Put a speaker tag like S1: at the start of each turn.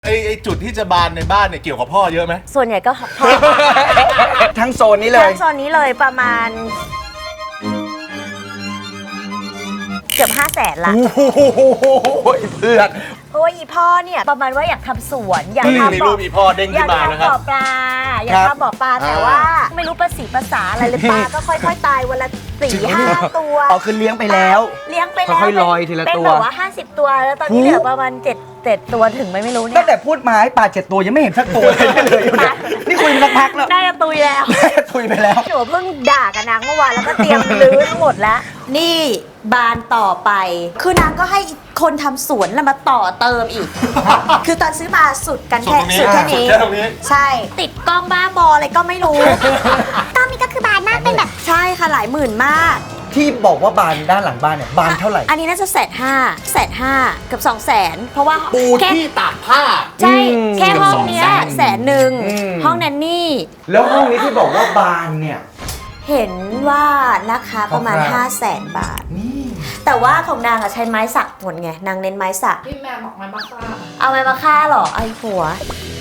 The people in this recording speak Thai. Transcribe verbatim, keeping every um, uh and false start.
S1: ไอ้ไอ้จุดที่จะบานในบ้านเนี่ยเกี่ยวกับพ่อเยอะไหม
S2: ส่วนใหญ่ก็พ่อ
S3: ทั้งโซนนี้เลย
S2: ทั้งโซนนี้เลยประมาณเกือบห้าแสนละ
S3: โอ้โหเพื่อน
S2: เพราะว่าอีพ่อเนี่ยประมาณว่าอยากทำสวนอยาก
S1: มี
S2: ทำ
S1: รูปอีพ่อเด้ง
S2: อ
S1: ขึ้
S2: ยาก
S1: นมานะค
S2: ทำ
S1: รับ
S2: บ่อปลาอยากทำบ่อปลาแต่ว่า ไม่รู้ภาษีภาษาอะไรเลยปลาก็ค่อยๆตายวันละสี่ห้าตัว
S3: อ๋อคือเลี้ยงไปแล้ว
S2: เลี้ยงไปแล้ว
S3: ค่อยๆลอยทีละ
S2: เป็น
S3: ตัว
S2: แบบว่าห้าสิบตัวแล้วตอนนี้เหลือประมาณเจ็ดเจ็ดตัวถึงไหมไม่รู้เนี่
S3: ตั้
S2: ย
S3: งแต่พูดมาให้ปลาเจ็ดตัวยังไม่เห็นสักตัวเลยเลยอยู่เนี่ยนี่คุยมาสักพักแล้ว
S2: ได้จะตุยแล้ว
S3: คุยไปแล้ว
S2: หนูเพิ่งด่ากับนางเมื่อวานแล้วก็เตรียมรื้อทั้งหมดแล้ว นี่บานต่อไป คือนางก็ให้คนทำสวนแล้วมาต่อเติมอีก คือตอนซื้อมาสุดกันแค่
S1: สุ
S2: สุ
S1: ด
S2: ด
S1: ตร
S2: แค่
S1: งนี้
S2: นี้
S1: สุดแค่ตรงนี้
S2: ใช่ ติดกล้องบ้าบออะไรก็ไม่รู้
S4: ตอนนี้ก็คือบานมากเป็นแบบ
S2: ใช่ค่ะหลายหมื่นมาก
S3: ที่บอกว่าบานด้านหลังบ้านเนี่ยบานเท่าไหร่
S2: อันนี้น่าจะแสนห้าแสนห้าเกือบสองแสนเพราะว่า
S1: ปู
S2: แค่
S1: ที่ตากผ้า
S2: ใช่
S3: อืม
S2: แค่ห้องเนี้ย
S1: เกือบสองแสน
S2: แสนหนึ่ง
S3: อืม
S2: ห้องแนนนี่
S3: แล้วห้องนี้ที่บอกว่าบานเนี่ย
S2: เห็นว่าราคาประมาณ
S3: คร่าวๆ
S2: ห้าแสนบาท
S3: นี่
S2: แต่ว่าของนางอะใช้ไม้สักหมดไง นางเน้นไม้สัก
S5: พี่แมวบอกไม้มาฆ่า
S2: เอาไม้มาฆ่าเหรอไอ้ผัว